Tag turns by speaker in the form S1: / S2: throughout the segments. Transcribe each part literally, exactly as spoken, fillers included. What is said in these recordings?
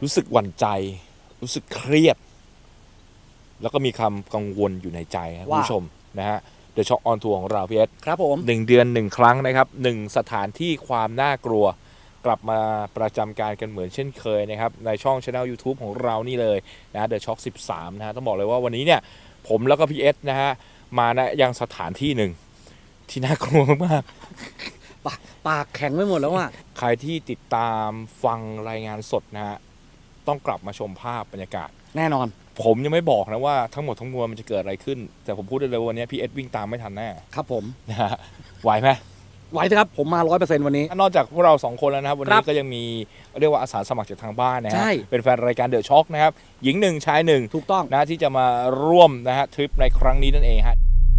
S1: รู้สึกหวั่นใจรู้สึกเครียดแล้วก็มีคำกังวลอยู่ในใจครับคุณผู้ชมนะฮะเดอะช็อคออนทัวร์ของเราพี่เอส
S2: ครับผม
S1: หนึ่งเดือนหนึ่งครั้งนะครับหนึ่งสถานที่ความน่ากลัวกลับมาประจำการกันเหมือนเช่นเคยนะครับในช่อง Channel YouTube ของเรานี่เลยนะเดอะช็อคสิบสามนะฮะต้องบอกเลยว่าวันนี้เนี่ยผมแล้วก็พี่เอสนะฮะมาณยังสถานที่หนึ่งที่น่ากลัวมาก
S2: ปากปากแข็งไม่หมดแล้วอ่ะ
S1: ใครที่ติดตามฟังรายงานสดนะฮะต้องกลับมาชมภาพบรรยากาศ
S2: แน่นอน
S1: ผมยังไม่บอกนะว่าทั้งหมดทั้งมวลมันจะเกิดอะไรขึ้นแต่ผมพูดได้เลยว่าวันนี้พี่เอสวิ่งตามไม่ทันแน่
S2: ครับผม
S1: นะฮะไหวไหม
S2: ไหวครับผมมา ร้อยเปอร์เซ็นต์ วันนี้
S1: นอกจากพวกเราสองคนแล้วนะครับวันนี้ก็ยังมีเรียกว่าอาสาสมัครจากทางบ้านนะฮะเป็นแฟนรายการเดอะช็อคนะครับหญิงหนึ่งชายหนึ่ง
S2: ถูกต้อง
S1: นะที่จะมาร่วมนะฮะทริปในครั้งนี้นั่นเองฮะ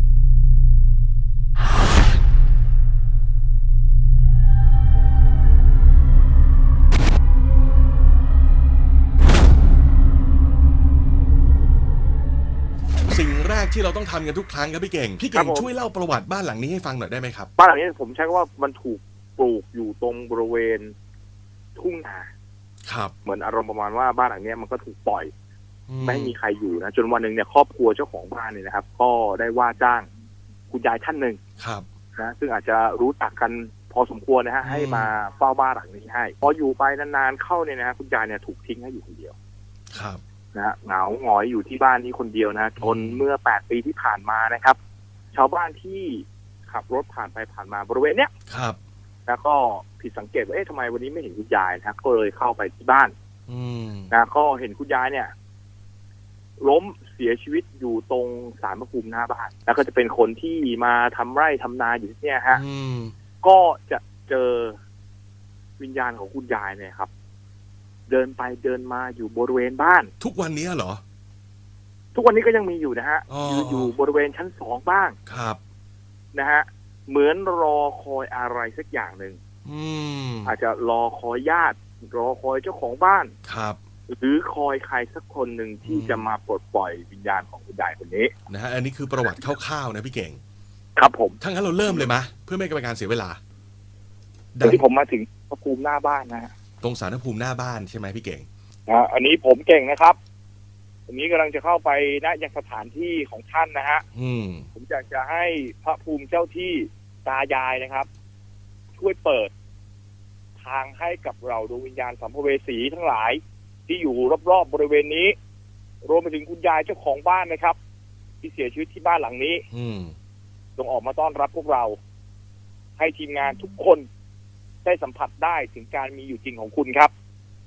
S3: สิ่งแรกที่เราต้องทำกันทุกครั้งครับพี่เก่งพี่เก่งช่วยเล่าประวัติบ้านหลังนี้ให้ฟังหน่อยได้ไหมครับ
S4: บ้านหลังนี้ผมใช้ว่ามันถูกปลูกอยู่ตรงบริเวณทุ่งนา
S3: ครับ
S4: เหมือนอารมณ์ประมาณว่าบ้านหลังนี้มันก็ถูกปล่อยไม่ให้มีใครอยู่นะจนวันหนึ่งเนี่ยครอบครัวเจ้าของบ้านเนี่ยนะครับก็ได้ว่าจ้างคุณยายท่านหนึ่ง
S3: ครับ
S4: นะซึ่งอาจจะรู้จักกันพอสมควรนะฮะให้มาเฝ้าบ้านหลังนี้ให้พออยู่ไปนานๆเข้าเนี่ยนะคุณยายเนี่ยถูกทิ้งให้อยู่คนเดียว
S3: ครับ
S4: นะฮะเหงาหงอยอยู่ที่บ้านนี้คนเดียวนะจนเมื่อแปดปีที่ผ่านมานะครับชาวบ้านที่ขับรถผ่านไปผ่านมาบริเวณเนี้ย
S3: ครับ
S4: แล้วก็ผิดสังเกตว่าเอ๊ะทำไมวันนี้ไม่เห็นคุณยายนะก็เลยเข้าไปที่บ้านนะก็เห็นคุณยายเนี่ยล้มเสียชีวิตอยู่ตรงศาลพระภูมิหน้าบ้านแล้วก็จะเป็นคนที่มาทำไร่ทำนาอยู่ที่เนี่ยฮะก็จะเจอวิญญาณของคุณยายเนี่ยครับเดินไปเดินมาอยู่บริเวณบ้าน
S3: ทุกวันนี้เหรอ
S4: ทุกวันนี้ก็ยังมีอยู่นะฮะอยู่อยู่บริเวณชั้นสองบ้าง
S3: ครับ
S4: นะฮะเหมือนรอคอยอะไรสักอย่างหนึ่งอาจจะรอคอยญาติรอคอยเจ้าของบ้าน
S3: ครับ
S4: หรือคอยใครสักคนหนึ่งที่จะมาปลดปล่อยวิญญาณของคุณยายคนนี้
S3: นะฮะอันนี้คือประวัติคร่าวๆนะพี่เก่ง
S4: ครับผม
S3: ถ้างั้นเราเริ่มเลยมะเพื่อไม่เป็นการเสียเวลา
S4: ที่ผมมาถึงพระภูมิหน้าบ้านนะฮะ
S3: ตรงศาลพระภูมิหน้าบ้านใช่ไหมพี่เก่ง
S4: อ่าอันนี้ผมเก่งนะครับอันนี้กำลังจะเข้าไปณยังสถานที่ของท่านนะฮะผมอยากจะให้พระภูมิเจ้าที่ตายายนะครับช่วยเปิดทางให้กับเราดวงวิญญาณสัมภเวสีทั้งหลายที่อยู่รอบๆบริเวณนี้รวมไปถึงคุณยายเจ้าของบ้านนะครับที่เสียชีวิตที่บ้านหลังนี้จงออกมาต้อนรับพวกเราให้ทีมงานทุกคนได้สัมผัสได้ถึงการมีอยู่จริงของคุณครับ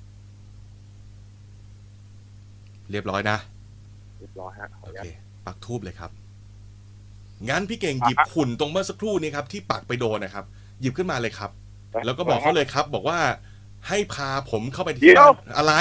S3: เรียบร้อยนะ
S4: เรียบร้อยฮะ
S3: โอเคปักธูปเลยครับงั้นพี่เก่งหยิบหุ่นตรงเมื่อสักครู่นี้ครับที่ปักไปโดนนะครับหยิบขึ้นมาเลยครับแล้วก็บอกเขาเลยครับบอกว่าให้พาผมเข้าไปที่บ้านอะไร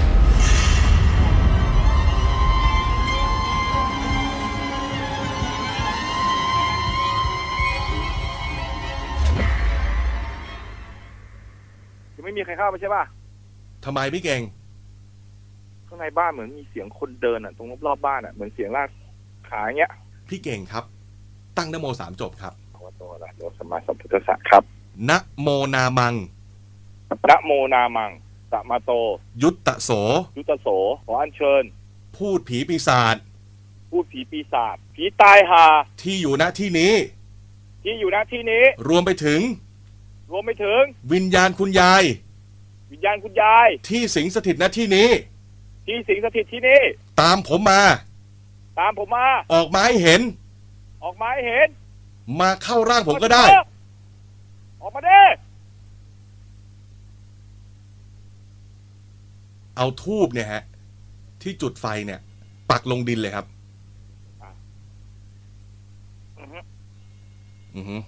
S4: จะไม่มีใครเข้าไปใช่ป่ะ
S3: ทำไมพี่เก่ง
S4: ข้างในบ้านเหมือนมีเสียงคนเดินอ่ะตรงรอบๆบ้านอ่ะเหมือนเสียงลากขาอย่างเงี้ย
S3: พี่เก่งครับตั้งนะโมสามจบครับ
S4: ขอโทษนะโยสมาสัมพุทธะครับ
S3: นะโมนามัง
S4: นะโมนามังสมาโต
S3: ยุตตะโส
S4: ยุตตะโสขออัญเชิญ
S3: พูดผีปีศาจ
S4: พูดผีปีศาจผีตายหา
S3: ที่อยู่ณที่นี้
S4: ที่อยู่ณที่นี้
S3: รวมไปถึง
S4: รวมไปถึง
S3: วิญญาณคุณยาย
S4: วิญญาณคุณยาย
S3: ที่สิงสถิตณที่นี้
S4: ที่สิงสถิตที่นี่
S3: ตามผมมา
S4: ตามผมมา
S3: ออกมาให้เห็น
S4: ออกมาให้เห็น
S3: มาเข้าร่างผมก็ได้
S4: ออกมาดิ
S3: เอาธูปเนี่ยฮะที่จุดไฟเนี่ยปักลงดินเลยครับอือฮึอือฮึ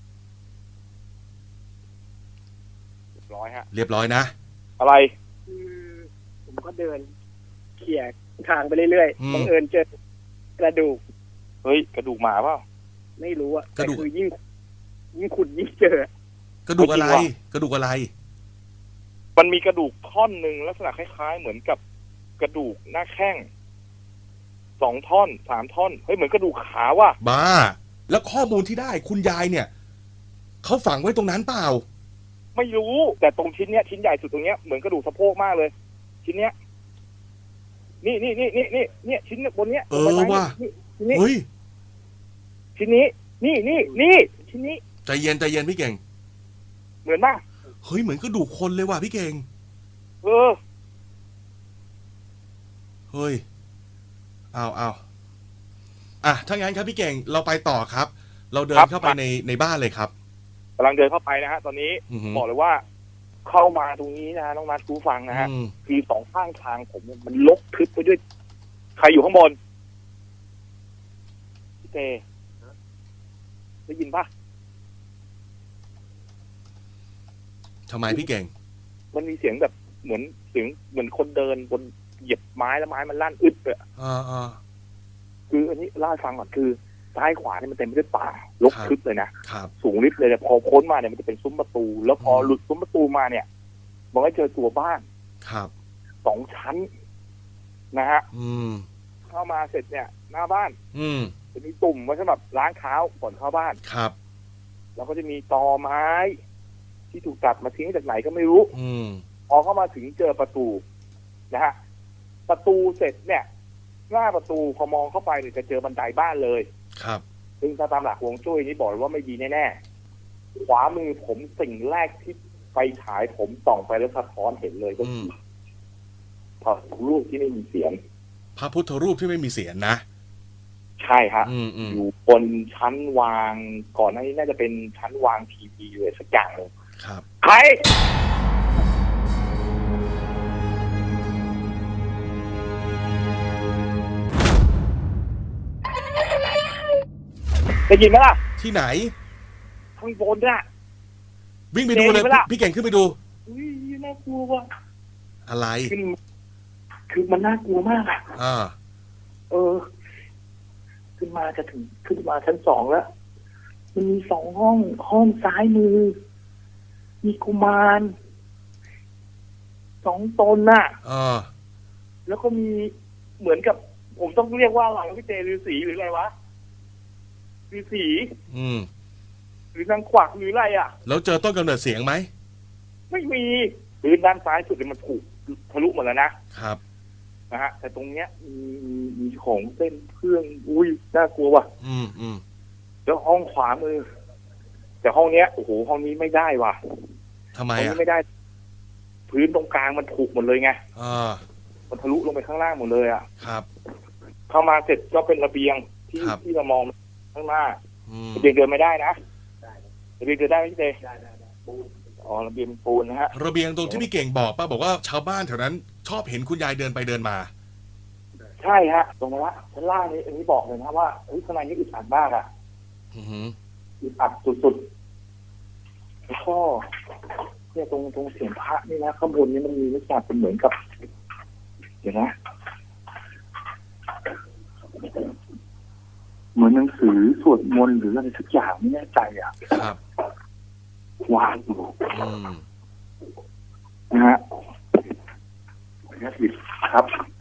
S4: เรียบร้อยฮะ
S3: เรียบร้อยนะ
S4: อะไร
S5: คือผมก็เดินเขี่ยทางไปเรื่อยๆบังเอิญเจอกระดูก
S4: เฮ้ยกระดูกหมาเปล่า
S5: ไม่รู้อะแต่คือยิ่งยิ่งขุดยิ่งเจอก
S3: ระดูกอะไรกระดูกอะไร
S4: มันมีกระดูกท่อนหนึ่งลักษณะคล้ายๆเหมือนกับกระดูกหน้าแข้งสองท่อนสามท่อนเฮ้ยเหมือนกระดูกขาว่ะ
S3: บ้าแล้วข้อมูลที่ได้คุณยายเนี่ยเขาฝังไว้ตรงนั้นเปล่า
S4: ไม่รู้แต่ตรงชิ้นเนี้ยชิ้นใหญ่สุดตรงเนี้ยเหมือนกระดูกสะโพกมากเลยชิ้นเนี้ยนี่นี่นี่นี่นี่เนี่ยชิ้นบนเนี้ย
S3: เออว่ะ
S4: นี่ชิ้นนี้
S3: เฮ้ย
S4: ชิ้นนี้นี่นี่นี่ชิ้นนี้
S3: ใจเย็นใจเย็นพี่เก่ง
S4: เหมือนป่ะ
S3: เฮ้ยเหมือนกระดูกคนเลยว่ะพี่เก่ง
S4: เออ
S3: เฮ้ยเอาเอาอ่ะถ้างั้นครับพี่เก่งเราไปต่อครับ เราเดิ
S4: ครั
S3: น
S4: บ
S3: เข้าไปในในบ้านเลยครับ
S4: กำลังเดินเข้าไปนะฮะตอนนี้
S3: อือหือ
S4: บอกเลยว่า เข้ามาตรงนี้นะน้องนัทคูฟังนะฮะ
S3: อืม
S4: คือสองข้างทางผมเนี่ยมันลกทึบไปด้วย ใครอยู่ข้างบนพี่เตได้ยินปะ
S3: ทำไมพี่เก่ง
S4: มันมีเสียงแบบเหมือนเสียงเหมือนคนเดินบนเหยียบไม้แล้วไม้มันลั่นอึดเลย
S3: อ่าอ่า
S4: คืออันนี้เล่าให้ฟังก่อนคือซ้ายขวาเนี่ยมันเต็มไปด้วยป่ารก
S3: ครับ
S4: ทึบเลยนะครับ สูงลิบเลยแต่พอพ้นมาเนี่ยมันจะเป็นซุ้มประตู แล้วพอ
S3: อืม
S4: หลุดซุ้มประตูมาเนี่ยมันก็เจอตัวบ้าน
S3: ครับ
S4: สองชั้นนะฮะ
S3: อืม
S4: เข้ามาเสร็จเนี่ย หน้าบ้าน
S3: อืม
S4: จะมีตุ่มไว้สำหรับล้างเท้าก่อนเข้าบ้าน
S3: ครับ
S4: แล้วก็จะมีตอไม้ ที่ถูกตัดมาทิ้งจากไหนก็ไม่รู้
S3: อืม
S4: พอเข้ามาถึงเจอประตูนะฮะประตูเสร็จเนี่ยหน้าประตูพอมองเข้าไปเนี่ยจะเจอบันไดบ้านเลย
S3: ครับ
S4: ซึ่งถ้าตามหลักฮวงจุ้ยนี่บอกเลยว่าไม่ดีแน่ๆขวามือผมสิ่งแรกที่ไฟฉายผมส่องไปแล้วสะท้อนเห็นเลยก็
S3: อื
S4: คื
S3: ม
S4: อพระรูปที่ไม่มีเสียง
S3: พระพุทธรูปที่ไม่มีเสียรนะ
S4: ใช่ฮะ
S3: อืมอืม
S4: อยู่บนชั้นวางก่อนหน้านี้น่าจะเป็นชั้นวางทีวีเลยสักอย่างหนึ่ง
S3: ครับ
S4: ใครได้ยินไหมล่ะ
S3: ที่ไหน
S4: ข้างบนน่ะ
S3: วิ่งไปดูเลย
S4: เห็นไหมล่ะ
S3: พี่เก่งขึ้นไปดู
S4: อุ้ยน่ากลัวว่ะ
S3: อะไร
S4: คือคือมันน่ากลัวมากอ่ะ
S3: อ่า
S4: เออ ขึ้นมาจะถึงขึ้นมาชั้นสองแล้ว มันมีสองห้อง ห้องซ้ายมือ มีกุมารสองตนน่ะ
S3: อ่า
S4: แล้วก็มีเหมือนกับ ผมต้องเรียกว่าอะไรพี่เจฤาษีหรืออะไรวะฤาษี
S3: อืม
S4: หรือนางขวักหรืออะไรอ่ะ
S3: แล้วเจอต้นกำเนิดเสียงไหม
S4: ไม่มีพื้นด้านซ้ายสุดเนี่ยมันถูกทะลุหมดแล้วนะครับ นะฮะแต่ตรงเนี้ยมีมีมีของเส้นเครื่องอุ้ยน่ากลัวว่ะ
S3: อืมอืม
S4: แล้วห้องขวามือ แต่ห้องเนี้ยโอ้โหห้องนี้ไม่ได้ว่ะ
S3: ทำไม
S4: ห้อง
S3: อ่ะ
S4: นี้ไม่ได้ พื้นตรงกลางมันถูกหมดเลยไง
S3: อ่า
S4: มันทะลุลงไปข้างล่างหมดเลยอ่ะ
S3: ครับ
S4: เข้ามาเสร็จก็เป็นระเบียงที่
S3: ครับ
S4: ที่เรามองข้างหน้า
S3: อืม
S4: ระเบียงเดินไม่ได้นะระเบียงเดินได้ไหมพี่เจอ๋อระเบียงปูนนะฮะ
S3: ระเบียงตรงที่พี่เก่งบอกป้าบอกว่าชาวบ้านแถวนั้น ชอบเห็นคุณยายเดินไปเดินมา
S4: ใช่ฮะ ตรงนั้นละชั้นล่างนี้อันนี้บอกเลยนะว่าเฮ้ยข้างในนี่อึดอัดมากอ่ะ
S3: อือหือ
S4: อึดอัดสุดๆแล้วก็เนี่ยตรงตรงเสียงพระนี่นะข้างบนนี่มันมีลักษณะเป็นเหมือนกับ เดี๋ยวนะ เหมือนหนังสือสวดมนต์หรืออะไรสักอย่างไม่แน่ใจอ่ะ
S3: ครับ
S4: วางอยู่
S3: อืม
S4: นะฮะครับ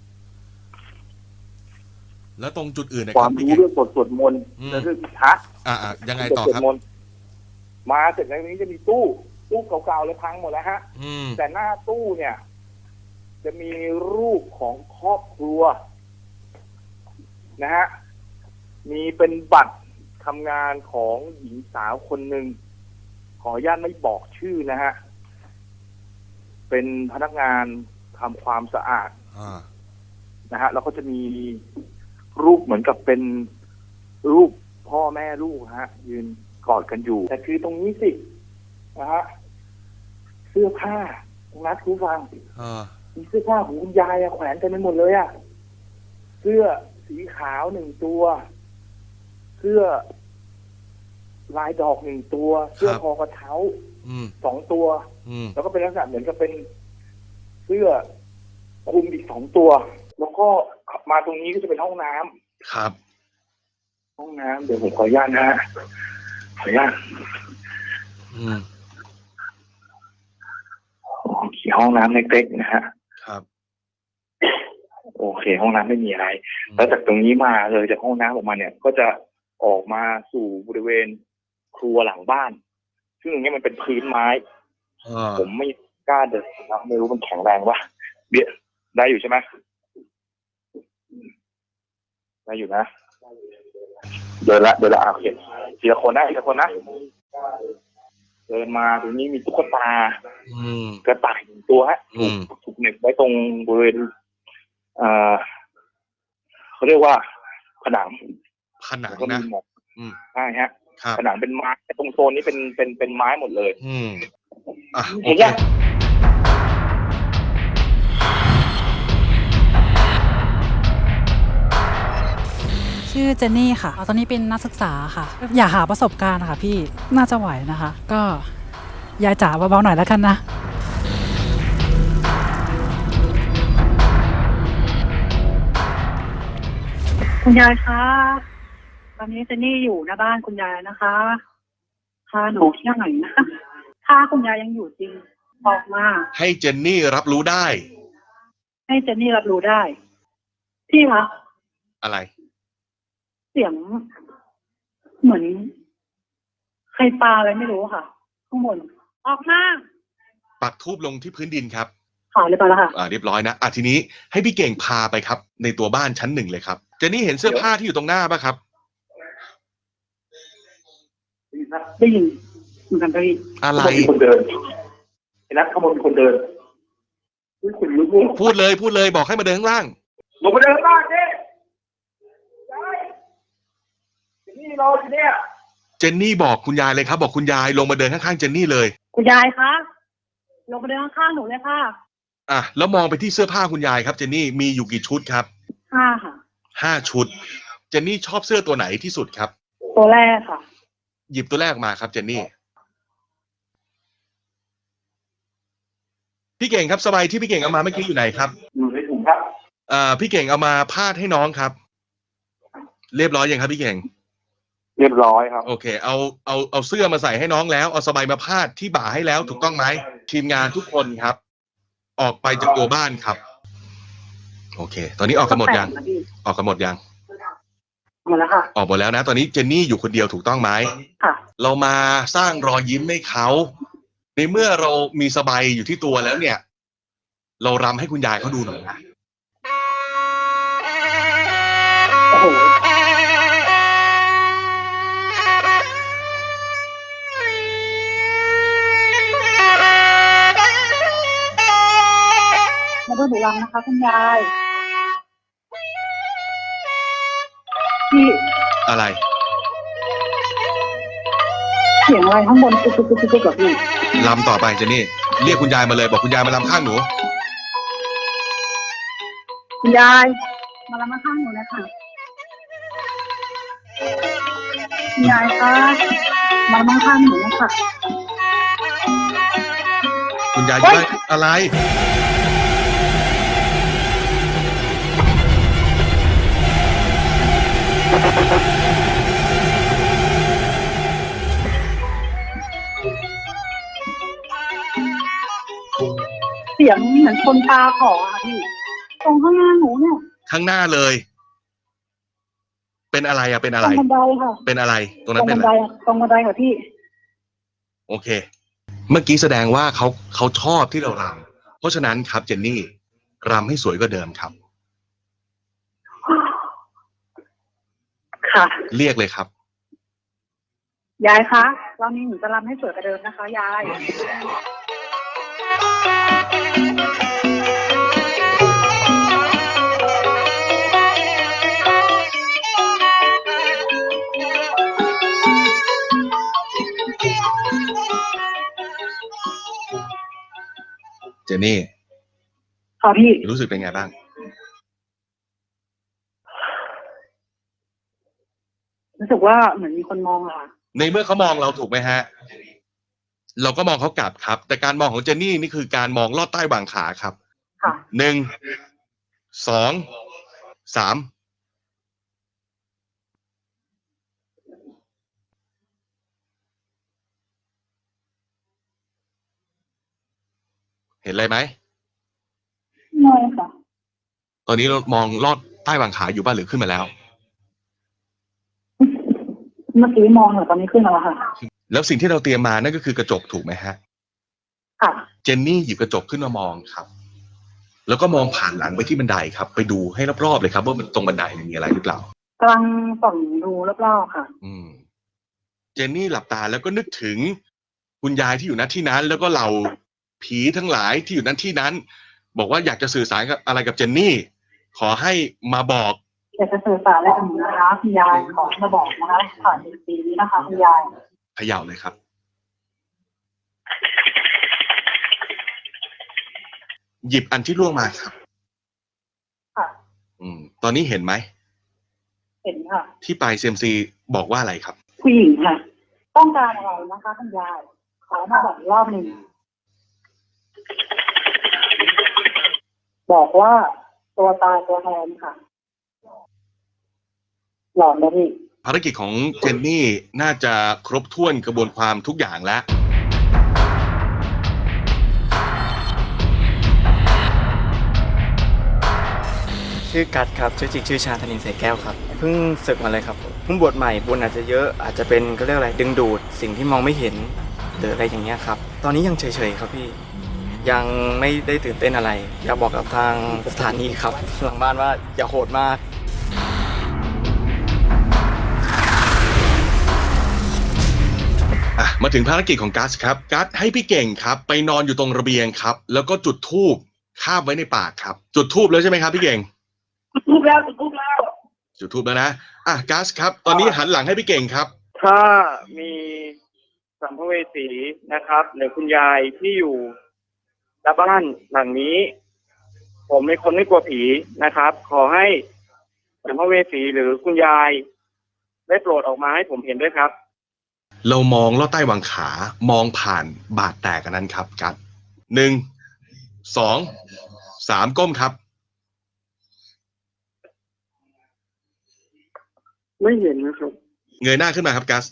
S3: แล้วตรงจุดอื่นนะ
S4: ค
S3: ครั
S4: วา
S3: บ
S4: ม
S3: พี่
S4: รู้
S3: เก่ง
S4: เรื่องบทสวดมนต์
S3: อืม
S4: และเรื่องพิทักษ์
S3: อ่าอ่ายังไงต่อ
S4: สวด
S3: ครับ
S4: มนต์มาเสร็จแล้วนี้จะมีตู้ ตู้เก่าๆเลยพังหมดแล้วฮะ
S3: อืม
S4: แต่หน้าตู้เนี่ย จะมีรูปของครอบครัว นะฮะ มีเป็นบัตรทำงานของหญิงสาวคนหนึ่งขออนุญาตไม่บอกชื่อนะฮะ เป็นพนักงานทำความสะอาด
S3: อ่า
S4: นะฮะแล้วก็จะมีรูปเหมือนกับเป็นรูปพ่อแม่ลูกฮะ ยืนกอดกันอยู่ แต่คือตรงนี้สินะฮะเสื้อผ้าคุณนัทคุณฟัง
S3: อ่า
S4: มีเสื้อผ้าของคุณยายอะแขวนเต็มไปหมดเลยอะเสื้อสีขาวหนึ่งตัว เสื้อลายดอกหนึ่งตัว เสื้อคอกระเช้า
S3: อืม
S4: สองตัว
S3: อืม
S4: แล้วก็เป็นลักษณะเหมือนกับเป็นเสื้อคลุมอีกสองตัว แล้วก็มาตรงนี้ก็จะเป็นห้องน้ำ
S3: ครับ
S4: ห้องน้ำเดี๋ยวผมขออนุญาตนะฮะขออนุญาต
S3: อืม
S4: โอเคห้องน้ำเล็กๆนะฮะ
S3: ครับ
S4: โอเค ห้องน้ำไม่มีอะไร แล้วจากตรงนี้มาเลยจากห้องน้ำออกมาเนี่ย ก็จะออกมาสู่บริเวณครัวหลังบ้าน ซึ่งตรงนี้มันเป็นพื้นไม้
S3: อ่า
S4: ผมไม่กล้าเดินนะไม่รู้มันแข็งแรงวะเบียได้อยู่ใช่ไหมได้อยู่นะเดินละเดินละโอเคทีละคนนะทีละคนนะเดินมาตรงนี้มีตุ๊กตา
S3: อืม
S4: กระต่ายหนึ่งตัวฮะ
S3: อื
S4: ถูก
S3: ม
S4: ถูกเหน็บไว้ตรงบริเวณเอ่อเขาเรียกว่าผนัง
S3: ผนัง
S4: แล้วก็มี
S3: นะ
S4: หมอก
S3: อืม
S4: ใช่ฮะ
S3: ครับ
S4: ผนังเป็นไม้ตรงโซนนี้เป็นเป็นเป็นไม้หมดเลย
S3: อืมอ่ะโอ
S4: เห็น
S3: เค
S4: ยัง
S6: ชื่อเจนนี่ค่ะ ตอนนี้เป็นนักศึกษาค่ะ อยากหาประสบการณ์ค่ะพี่ น่าจะไหวนะคะ ก็ยายจ๋าเบาๆหน่อยแล้วกันนะ
S7: คุณยายคะ ตอนนี้เจนนี่อยู่หน้าบ้านคุณยายนะคะพาหนูเที่ยวหน่อยนะถ้าคุณยายยังอยู่จริงออกมา
S3: ให้เจนนี่รับรู้ได้
S7: ให้เจนนี่รับรู้ได้ พี่คะ
S3: อะไร
S7: เสียง เหมือนใครปาอะไรไม่รู้ค่ะ ข้างบน ออกมา
S3: ปักทูบลงที่พื้นดินครับ
S7: ขายเลยไปแล้วค่ะ
S3: อ่าเรียบร้อยนะอ่ะทีนี้ให้พี่เก่งพาไปครับ ในตัวบ้านชั้นหนึ่งเลยครับเจนนี่เห็นเสื้อผ้าที่อยู่ตรงหน้าป่ะครับ
S7: ได้ยินเหมือนกันได้ยิน
S3: อะไร
S4: มีคนเดินเห็นนะข้างบนมีคนเดินอุ๊ยคุณลุกลุก
S3: พูดเลยพูดเลยบอกให้มาเดินข้างล่าง
S4: ลงมาเดินข้างล่างดิยายนี่เราเนี่ย
S3: เจนนี่บอกคุณยายเลยครับ บอกคุณยายลงมาเดินข้างๆเจนนี่เลย
S7: คุณยายคะลงมาเดินข้างๆหนูเลยค่ะ
S3: อ่ะแล้วมองไปที่เสื้อผ้าคุณยายครับเจนนี่มีอยู่กี่ชุดครับ
S7: ห้าค่ะ
S3: ห้าชุด เจนนี่ชอบเสื้อตัวไหนที่สุดครับ
S7: ตัวแรกค่ะ
S3: หยิบตัวแรกมาครับเจนนี่พี่เก่งครับสบายที่พี่เก่งเอามาเมื่อกี้อยู่ไหนครับ
S4: อยู่ในถุงครับ
S3: อ่าพี่เก่งเอามาพาดให้น้องครับ เรียบร้อยยังครับพี่เก่ง
S4: เรียบร้อยครับ
S3: โอเค เอาเอาเอาเสื้อมาใส่ให้น้องแล้วเอาสบายมาพาดที่บ่าให้แล้วถูกต้องไหมทีมงานทุกคนครับ ออกไปจากตัวบ้านครับ โอเค ตอนนี้ออกกันหมดยังออกกันหมดยัง
S7: หมดแล้วค่ะ
S3: ออกหมดแล้วนะ ตอนนี้เจนนี่อยู่คนเดียวถูกต้องไหม
S7: ค่ะ
S3: เรามาสร้างรอยยิ้มให้เขาในเมื่อเรามีสบายอยู่ที่ตัวแล้วเนี่ย เรารำให้คุณยายเขาดูหน่อยนะ
S7: โอ้โห มาดูหนูรังนะคะคุณยาย พี่
S3: อะไร
S7: เสียงอะไรข้างบนตุ๊กตุ๊กตุ๊กตุ๊กกับพี่
S3: รำต่อไปเจนนี่เรียกคุณยายมาเลยบอกคุณยายมารำข้างหนู
S7: คุณยาย มารับมาข้างหนูนะคะคุณยายคะมารับมาข้างหนูนะคะ
S3: คุณยายอยู่ได้อะไร
S7: เสียงเหมือนคนปาของอะค่ะพี่ ตรงข้างหน้าหนูเนี่ย
S3: ข้างหน้าเลย เป็นอะไรอะเป็นอะ
S7: ต
S3: ไร
S7: รงบันไดค่ะ
S3: เป็นอะไร ตรง
S7: ตร
S3: นั้น
S7: ง
S3: เป็น
S7: บัน
S3: อะ
S7: ได
S3: ไร
S7: อะตรงบันไดค่ะพี่
S3: โอเค เมื่อกี้แสดงว่าเขาเขาชอบที่เรารำเพราะฉะนั้นครับเจนนี่รำให้สวยกว่าเดิมครับ
S7: ค่ะ
S3: เรียกเลยครับ
S7: ยายคะรอบนี้หนูจะรำให้สวยกว่าเดิมนะคะ ยาย
S3: เจนนี่
S7: ค่ะพี่
S3: รู้สึกเป็นไงบ้าง
S7: รู้สึกว่าเหมือนมีคนมองอะค่ะ
S3: ในเมื่อเขามองเราถูกไหมฮะ เราก็มองเขากลับครับ แต่การมองของเจนนี่นี่คือการมองลอดใต้หว่างขาครับ
S7: ค่ะ
S3: หนึ่งสองสามเห็นอะไรไหม
S7: น้อยค่ะ
S3: ตอนนี้เรามองลอดใต้หว่างขาอยู่บ้านหรือขึ้นมาแล้ว
S7: เมื่อกี้มองเหรอตอนนี้ขึ้นมาแล้วค่ะ
S3: แล้วสิ่งที่เราเตรียมมานั่นก็คือกระจกถูกไหมฮะ
S7: ค่ะ
S3: เจนนี่หยิบกระจกขึ้นมามองครับแล้วก็มองผ่านหลังไปที่บันไดครับไปดูให้รอบๆเลยครับว่ามันตรงบันไดมีอะไรหรือเปล่าก
S7: ำลังส่องดูรอบๆค่ะ
S3: อืมเจนนี่หลับตาแล้วก็นึกถึงคุณยายที่อยู่ณที่นั้น แล้วก็เหล่าผีทั้งหลายที่อยู่ณที่นั้น บอกว่าอยากจะสื่อสารกับอะไรกับเจนนี่ ขอให้มาบอก
S7: อยากจะสื่อสารอะไรกับหนูนะคะคุณยายขอมาบอกนะคะผ่านปีนี้นะคะคุณยาย
S3: เขย่าเลยครับ หยิบอันที่ล่วงมาครับ
S7: ค่ะ
S3: อืม ตอนนี้เห็นไหม
S7: เห็นค่ะ
S3: ที่ปลายเซียมซีบอกว่าอะไรครับ
S7: ผู้หญิงค่ะ ต้องการอะไรนะคะคุณยายขอมาบอกรอบหนึ่งบอกว่าตัวตายตัวแทนค่ะหลอนนะพี่
S3: ภารกิจของเจนนี่น่าจะครบถ้วนกระบวนความทุกอย่างแล้ว
S8: ชื่อกัดครับชื่อจริงชื่อชาธนินเสแก้วครับเพิ่งศึกมาเลยครับเพิ่งบวชใหม่บุญอาจจะเยอะอาจจะเป็นก็เรียกอะไรดึงดูดสิ่งที่มองไม่เห็นหรืออะไรอย่างเงี้ยครับตอนนี้ยังเฉยๆครับพี่ยังไม่ได้ตื่นเต้นอะไรอยากบอกกับทางสถานีครับหลังบ้านว่าอย่าโหดมาก
S3: อ่ะมาถึงภารกิจของกัสครับกัสให้พี่เก่งครับ ไปนอนอยู่ตรงระเบียงครับ แล้วก็จุดธูปคาบไว้ในปากครับ จุดธูปแล้วใช่ไหมครับพี่เก่ง
S5: ทุบแล้วทุบแล้ว
S3: จุดธูปแล้วนะอ่ะกัสครับ ตอนนี้หันหลังให้พี่เก่งครับ
S4: ถ้ามีสัมภเวสีนะครับหรือคุณยายที่อยู่ณบ้านหลังนี้ ผมเป็นคนไม่กลัวผีนะครับ ขอให้สัมภเวสีหรือคุณยายได้โปรดออกมาให้ผมเห็นด้วยครับ
S3: เรามองลอดใต้หวังขา มองผ่านบาดแตกอันนั้นครับกัสหนึ่งสองสามก้มครับ
S5: ไม่เห็นนะครับ
S3: เงยหน้าขึ้นมาครับกัส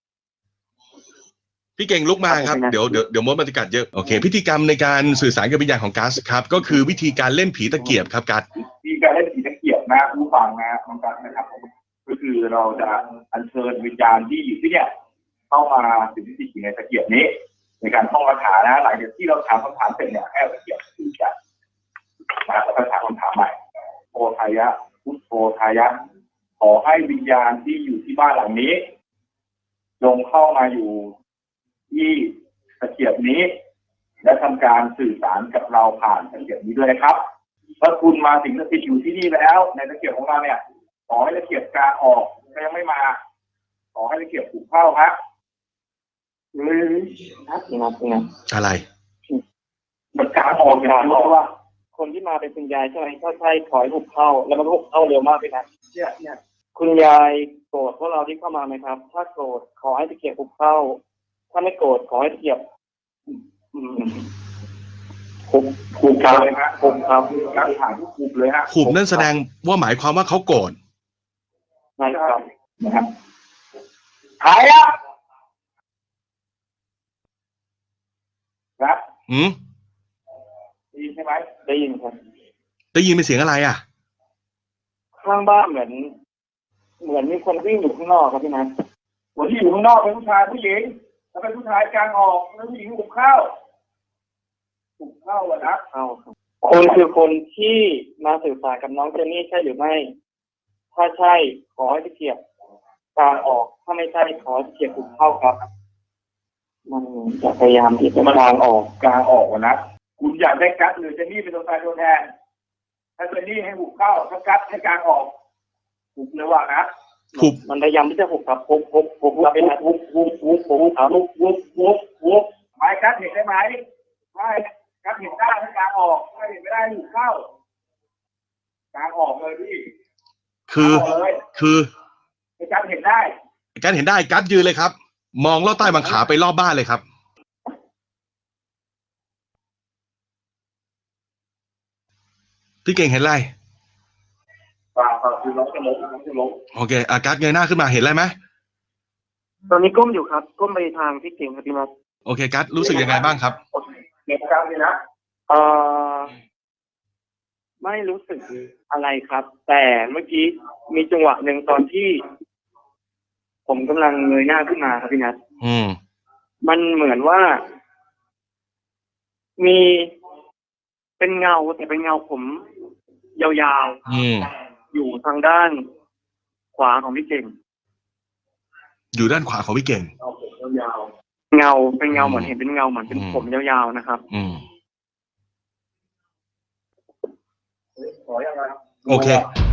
S3: พี่เก่งลุกมาครับเดี๋ยวเดี๋ยวเดี๋ยวมดมันจะกัดเยอะโอเคพิธีกรรมในการสื่อสารกับวิญญาณของกัสครับก็คือวิธีการเล่นผีตะเกียบครับกัส
S4: ที่การเล่นผีตะเกียบนะผู้ฟังนะน้องกัสนะครับก็คือเราจะอัญเชิญวิญญาณที่อยู่ที่เนี่ยเข้ามาสิงสถิตอยู่ในตะเกียบนี้ ในการท่องคาถานะหลังจากที่เราถามคำถามเสร็จเนี่ยให้ตะเกียบคือจะมาแล้วก็ถามคำถามใหม่โพธายะพุทโธทายะขอให้วิญญาณที่อยู่ที่บ้านหลังนี้ลงเข้ามาอยู่ที่ตะเกียบนี้ และทำการสื่อสารกับเราผ่านตะเกียบนี้ด้วยนะครับถ้าคุณมาสิงสถิตอยู่ที่นี่แล้ว ในตะเกียบของเราเนี่ยขอให้ตะเกียบกลางออกถ้ายังไม่มา ขอให้ตะเกียบถูกเข้าครับอืมครับครับครับ
S3: อะไร
S4: มันกลางออกอย่างเพราะว่า คนที่มาเป็นคุณยายใช่ไหมถ้าใช่ขอให้ถูกเข้า แล้วมันถูกเข้าเร็วมากเลยนะเนี่ยเนี่ยคุณยายโกรธพวกเราที่เข้ามาไหมครับ ถ้าโกรธขอให้ตะเกียบถูกเข้า ถ้าไม่โกรธขอให้ตะเกียบคุบคุบเลยฮะคุบครับการผ่านทุกคุบเลยฮะ
S3: ขุบนั่นแสดงว่าหมายความว่าเขาโกรธ
S4: ใช่ครับนะครับหายแล้วครับ
S3: อืม
S4: ได้ยินใช่ไหมได้ยินครับ
S3: ได้ยินเป็นเสียงอะไรอ่ะ
S4: ข้างบ้านเหมือน เหมือนมีคนวิ่งอยู่ข้างนอกครับพี่นัทคนที่อยู่ข้างนอกเป็นผู้ชายผู้หญิงแล้วเป็นผู้ชายกลางออกแล้วผู้หญิงหุบเข้าหุบเข้าอะนะเข้าคนคือคนที่มาสื่อสารกับน้องเจนนี่ใช่หรือไม่ ถ้าใช่ขอให้ตะเกียบกลางออกถ้าไม่ใช่ขอให้ตะเกียบหุบเข้าครับมันจะพยายามที่จะกลางออกกลางออกอะนะคุณอยากได้กัดหรือเจนนี่เป็นตัวตายตัวแทนถ้าเจนนี่ให้หุบเข้าถ้ากัดให้กลางออกหุบเลยว่านะ
S3: หุบ
S4: มันพยายามที่จะหุบครับหุบหุบหุบหุบหุบหุบหุบหุบหุบหุบหุบหุบหุบไม้กัดเห็นได้ไหมไม่กัดเห็นได้ให้กลางออกไม่เห็นไม่ได้หุบเข้ากลางออกเลยพี่
S3: คือคือ
S4: ให้กัดเห็นได้
S3: การเห็นได้กัสยืนเลยครับ มองลอดใต้บังขาไปรอบบ้านเลยครับ พี่เก่งเห็นอะไร
S4: ป่าป่าคือน้องจะล้มน้องจะล้ม
S3: โอเคอากัสเงยหน้าขึ้นมาเห็นอะไรไหม
S4: ตอนนี้ก้มอยู่ครับก้มไปทางพี่เก่งครับพี่นัท
S3: โอเคกัสรู้สึกยังไงบ้างครับ
S4: เก็บกลางเลยนะเอ่อไม่รู้สึกอะไรครับ แต่เมื่อกี้มีจังหวะหนึ่งตอนที่ ผมกำลังเงยหน้าขึ้นมาครับพี่นัท
S3: อืม
S4: มันเหมือนว่า มี
S5: เป็นเงาแต่เป็นเงาผมยาว
S3: อืม
S5: ๆอยู่ทางด้านขวาของพี่เก่ง
S3: อยู่ด้านขวาของพี่เก่ง
S5: เงาเป็นเงา
S3: อืม
S5: เหมือนเห็นเป็นเงาเหมือนเป็น
S3: อืม
S5: ผมยาวๆนะครับ
S3: อืมโอเค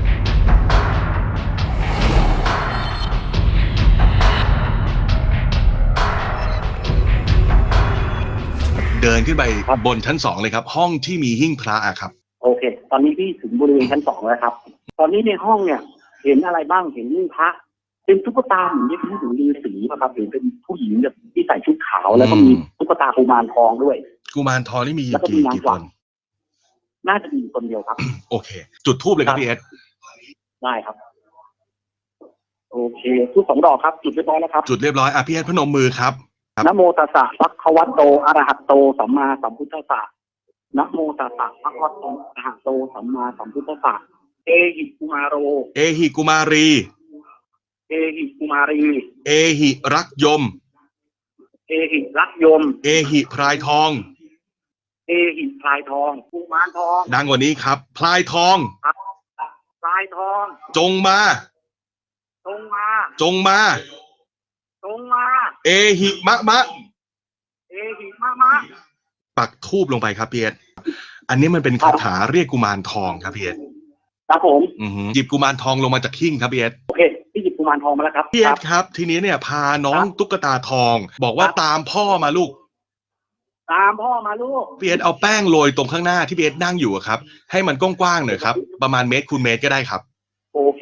S3: เดินขึ้นไป
S5: ครับ
S3: บนชั้นสองเลยครับ ห้องที่มีหิ้งพระอะครับ
S5: โอเค ตอนนี้พี่ถึงบริเวณชั้นสองแล้วครับ ตอนนี้ในห้องเนี่ย เห็นอะไรบ้างเห็นหิ้งพระเป็นตุ๊กตาเหมือนที่ผู้หญิงฤาษีป่ะครับหรือเป็นผู้หญิงแบบที่ใส่ชุดขาวแล้วก็มี
S3: อืม
S5: ตุ๊กตากุมารทองด้วย
S3: กุมารทองนี่มี
S5: แล้วก็มี
S3: กี่
S5: นาง
S3: กี่
S5: ก
S3: ค
S5: วัก
S3: น
S5: น่าจะมีคนเดียวครับ
S3: โอเค จุดทูบเลยครับพี่เอส
S5: ได้ครับ โอเคทุกสองดอกครับ จุดเรียบร้อยแล้วครับ
S3: จุดเรียบร้อยอ่ะพี่เอสพนมมือครับ
S5: นะโมตัสสะภะคะวะโตอะระหะโตสัมมาสัมพุทธัสสะนะโมตัสสะภะคะวะโตอะระหะโตสัมมาสัมพุทธัสสะเอหิกุมารโร
S3: เอหิกุมารี
S5: เอหิกุมารี
S3: เอหิรักยม
S5: เอหิรักยม
S3: เอหิพรายทอง
S5: เอหิพลายทองกุมารทอง
S3: ดังกว่านี้ครับ พลายทอง
S5: พลายทอง
S3: จงมา
S5: ตรงมา
S3: จงมา
S5: ตรงมา
S3: เอหิมะมะ
S5: เอหิมะมะ
S3: ปักทูบลงไปครับพี่เอสอันนี้มันเป็นคาถาเรียกกุมารทองครับพี่เอส
S5: ครับผม
S3: อือหือหยิบกุมารทองลงมาจากหิ้งครับพี่เอส
S5: โอเคพี่หยิบกุมารทองมาแล้วครับ
S3: พี่เอ
S5: ค
S3: ส
S5: รับ
S3: ครับ ทีนี้เนี่ยพาน้อง
S5: ครับ
S3: ตุ๊กตาทอง บอกว่า
S5: ครับ
S3: ตามพ่อมาลูก
S5: ตามพ่อมาลูก
S3: พี่เอสเอาแป้งโรยตรงข้างหน้าที่พี่เอสนั่งอยู่อะครับ ให้มันกว้างๆหน่อยครับ ประมาณเมตรคูณเมตรก็ได้ครับ
S5: โอเค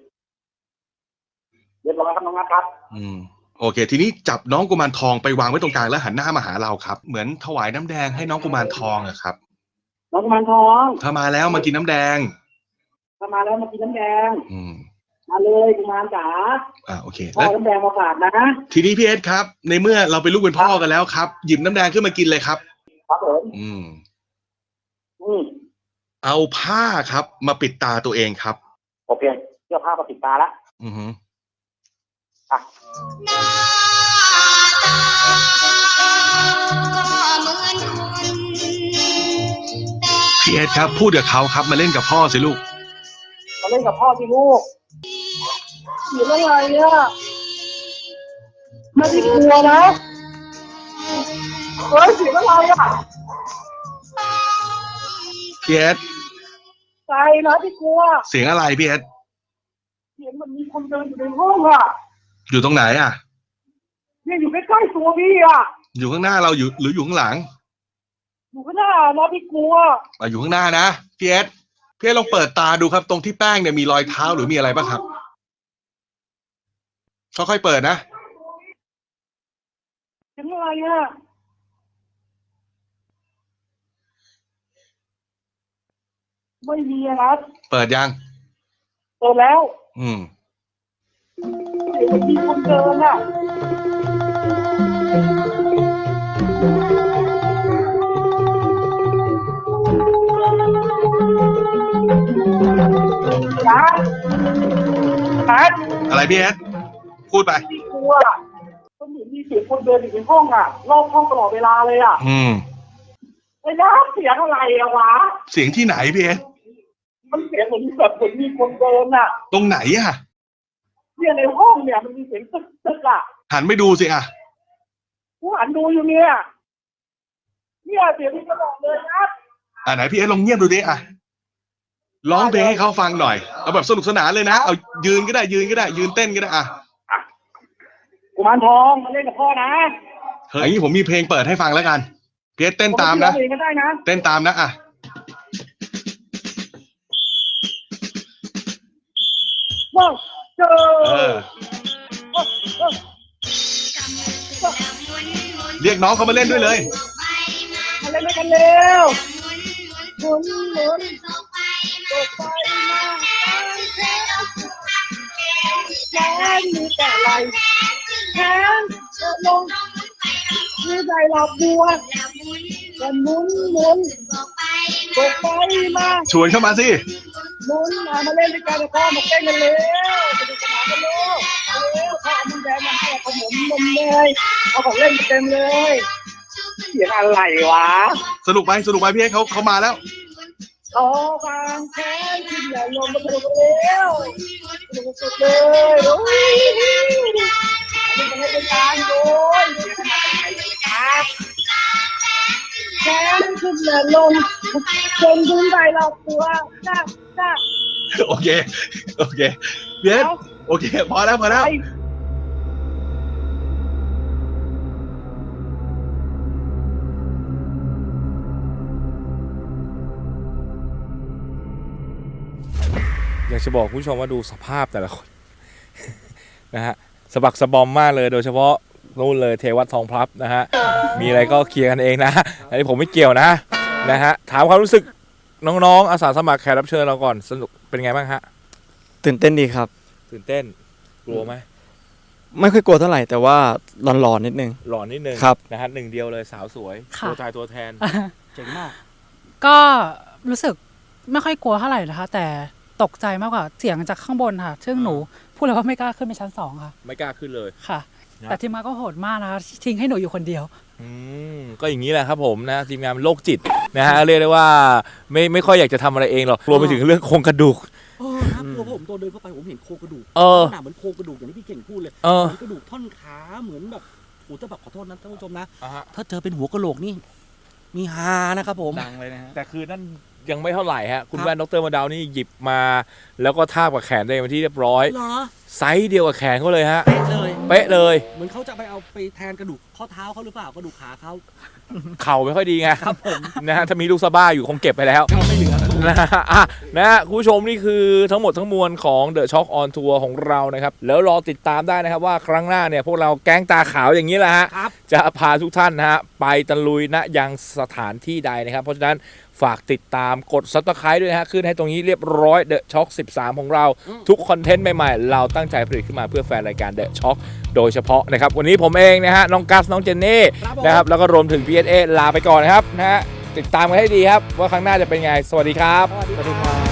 S5: เรียบร้อยครับน้องนัทครับ
S3: อืมโอเค ทีนี้จับน้องกุมารทองไปวางไว้ตรงกลางแล้วหันหน้ามาหาเราครับ เหมือนถวายน้ำแดงให้น้องกุมารทองอะครับ
S5: น้องกุมารทอง
S3: ถ้ามาแล้วมากินน้ำแดง
S5: ถ้ามาแล้วมากินน้ำแดง
S3: อืม
S5: มาเลยกุมารจ๋า
S3: อ่าโอเค
S5: พ่อ
S3: แล้ว
S5: น้ำแดงมาฝากนะ
S3: ทีนี้พี่เอสครับ ในเมื่อเราเป็นลูกเป็นพ่อกันแล้วครับ หยิบน้ำแดงขึ้นมากินเลยครับ
S5: ครับผม
S3: อืม
S5: อืม
S3: เอาผ้าครับ มาปิดตาตัวเองครับ
S5: โอเคเสื้อผ้ามาปิดตาละ
S3: อือฮึ
S5: อ่ะ
S3: พี่เอสครับ พูดกับเขาครับ มาเล่นกับพ่อสิลูก
S5: มาเล่นกับพ่อที่ลูกเสียงอะไรเนี่ยไม่ได้กลัวนะเฮ้ยเสียงอะไรอ่ะ
S3: พี่เอส
S5: ใจนะที่กลัว
S3: เสียงอะไรพี่เอส
S5: เสียงมันมีคนเดินอยู่ในห้องอ่ะ
S3: อยู่ตรงไหนอ่ะ
S5: เนี่ยอยู่ใกล้ๆตัวพี่อ่ะ
S3: อยู่ข้างหน้าเราอยู่หรืออยู่ข้างหลัง
S5: อยู่ข้างหน้านะพี่กลัว
S3: อ่ะอยู่ข้างหน้านะพี่เอสพี่เอสลองเปิดตาดูครับ ตรงที่แป้งเนี่ยมีรอยเท้าหรือมีอะไรบ้างครับค่อยๆเปิดนะ
S5: เสียงอะไรอ่ะไม่มีอะนะ
S3: เปิดยัง
S5: เปิดแล้ว
S3: อืม
S5: เสียงมันมีคนเดินอ่ะนะนะ
S3: อะไรพี่เอสพูดไป
S5: พี่กลัวมันเหมือนมีเสียงคนเดินอยู่ในห้องอ่ะรอบห้องตลอดเวลาเลยอ่ะ
S3: อืม
S5: ไอ้นะเสียงอะไรอะวะ
S3: เสียงที่ไหนพี่เอส
S5: มันเสียงเหมือนแบบเหมือนมีคนเดินอ่ะ
S3: ตรงไหนอ่ะ
S5: เนี่ยในห้องเนี่ยมันมีเสียงตึกตึกอ่ะ
S3: หันไปดูสิอ่ะ
S5: กูหันดูอยู่เนี่ยเนี่ยเสียงที่ตลอดเลยนะ
S3: อ่ะไหนพี่เอสลองเงียบดูดิอ่ะร้องเพลงให้เขาฟังหน่อยเอาแบบสนุกสนานเลยนะเอายืนก็ได้ยืนก็ได้ ยืนเต้นก็ได้อ่ะ
S5: กุมารทองมาเล่นกับพ่อนะ
S3: เฮ้ยอย่างนี้ผมมีเพลงเปิดให้ฟังแล้วกันพี่เอสเต้นตามนะ
S5: เองก็ได้นะ
S3: เต้นตามนะอ่ะ
S5: ว้าวเจอ
S3: เออ เรียกน้องเขามาเล่นด้วยเลย
S5: มาเล่นด้วยกันเร็วหมุนหมุนตกไปมาแขนมีแต่ไหลแขนจะลงมือใจหลับบัวจะหมุนหมุนตกไปมา
S3: ชวนเข้ามาสิ
S5: หมุนมามาเล่นด้วยกันพ่อมาเต้นกันเร็วสนุกสนานกันเร็วเร็วพ่อเอามันแดงมาให้ขนมนมเนยเอาของเล่นมาเต็มเลยเสียงอะไรวะ
S3: สนุกไปสนุกไปพี่เอสเขาเขามาแล้ว
S5: เขอความแค้นที่อย่าลงมาเร็วสุดเลยโอ้ยอันนี้เป็นการโดยแค้นขึ้นอย่าลงจนถึงใจเราตัวจ้าจ้า
S9: โอเคโอเคเบียร์โอเคพอแล้วพอแล้ว
S1: อยากจะบอกคุณผู้ชมว่าดูสภาพแต่ละคน นะฮะสะบักสะบอมมากเลยโดยเฉพาะนู่นเลยเทวัตทองพลับนะฮะมีอะไรก็เคลียร์กันเองนะอันนี้ผมไม่เกี่ยวนะนะฮะถามความรู้สึกน้องๆอาสาสมัครแขกรับเชิญเราก่อนสนุกเป็นไงบ้างฮะ
S8: ตื่นเต้นดีครับ
S1: ตื่นเต้นกลัวไหม
S8: ไม่ค่อยกลัวเท่าไหร่แต่ว่าหลอนๆนิดนึง
S1: หลอนนิดนึง
S8: ครับ
S1: นะฮะหนึ่งเดียวเลยสาวสวย
S6: ค่ะ
S1: ตัวตายตัวแทนเจ๋งมาก
S6: ก็รู้สึกไม่ค่อยกลัวเท่าไหร่นะคะ แต่ตกใจมากกว่าเสียงจากข้างบนค่ะ ซึ่งหนูพูดเลยว่าไม่กล้าขึ้นไปชั้นสองค่ะ
S1: ไม่กล้าขึ้นเลย
S6: ค่ะ
S1: นะ
S6: แต่ทีมงานก็โหดมากนะคะทิ้งให้หนูอยู่คนเดียว
S1: อืมก็อย่างนี้แหละครับผมนะทีมงานเป็นโรคจิตนะฮะเรียกได้ว่าไม่ไม่ค่อยอยากจะทำอะไรเองหรอกรวมไปถึงเรื่องโครงกระดูก
S2: เออน่ากลัวเพราะผมตัวเดินเข้าไปผมเห็นโครงกระดูก
S1: เออ
S2: ขนาดเหมือนโครงกระดูกอย่างที่พี่เก่งพูดเลย
S1: เออ
S2: เหมือนกระดูกท่อนขาเหมือนแบบโอ้แต่แบบขอโทษนะท่านผู้ชมนะ
S1: อ่ะฮะ
S2: ถ้าเจอเป็นหัวกะโหลกนี่มีฮานะครับผม
S8: ดังเลยนะฮะ
S1: แต่คือนั่นยังไม่เท่าไหร่ฮะคุณ
S2: ครับ
S1: แว่นดรมาดาวนี่หยิบมา แล้วก็ทาบกับแขนตัวเองเป็นที่เรียบร้อย
S2: เหรอ
S1: ไซส์เดียวกับแขนเขาเลยฮะ
S2: เป๊ะเลย
S1: เป๊ะเลย
S2: เหมือนเขาจะไปเอาไปแทนกระดูกข้อเท้าเขาหรือเปล่ากระดูกขาเขา
S1: เข่าไม่ค่อยดีไง
S2: ครับผม
S1: นะฮะถ้ามีลูกสะบ้าอยู่คงเก็บไปแล้ว
S2: เขาไม่เหลือ
S1: นะฮะอ่ะนะฮะคุณผู้ชมนี่คือทั้งหมดทั้งมวลของ The Shock on Tour ของเรานะครับแล้วรอติดตามได้นะครับว่าครั้งหน้าเนี่ยพวกเราแก๊งตาขาวอย่างนี้แหละฮะ
S2: ครับ
S1: จะพาทุกท่านนะฮะไปตะลุยณยังสถานที่ใดนะครับ เพราะฉะนั้นฝากติดตามกด Subscribe ด้วยนะฮะขึ้นให้ตรงนี้เรียบร้อย The Shock สิบสามของเรา ทุกคอนเทนต์ใหม่ๆ เราตั้งใจผลิตขึ้นมาเพื่อแฟนรายการ The Shock โดยเฉพาะนะครับวันนี้ผมเองนะฮะน้องกัสน้องเจนนี่
S2: ครับผม
S1: นะครับแล้วก็รวมถึง พี เอส เอ ลาไปก่อนนะครับนะฮะติดตามกันให้ดีครับว่าครั้งหน้าจะเป็นไงสวัสดีครับ
S2: สวัสดีครับ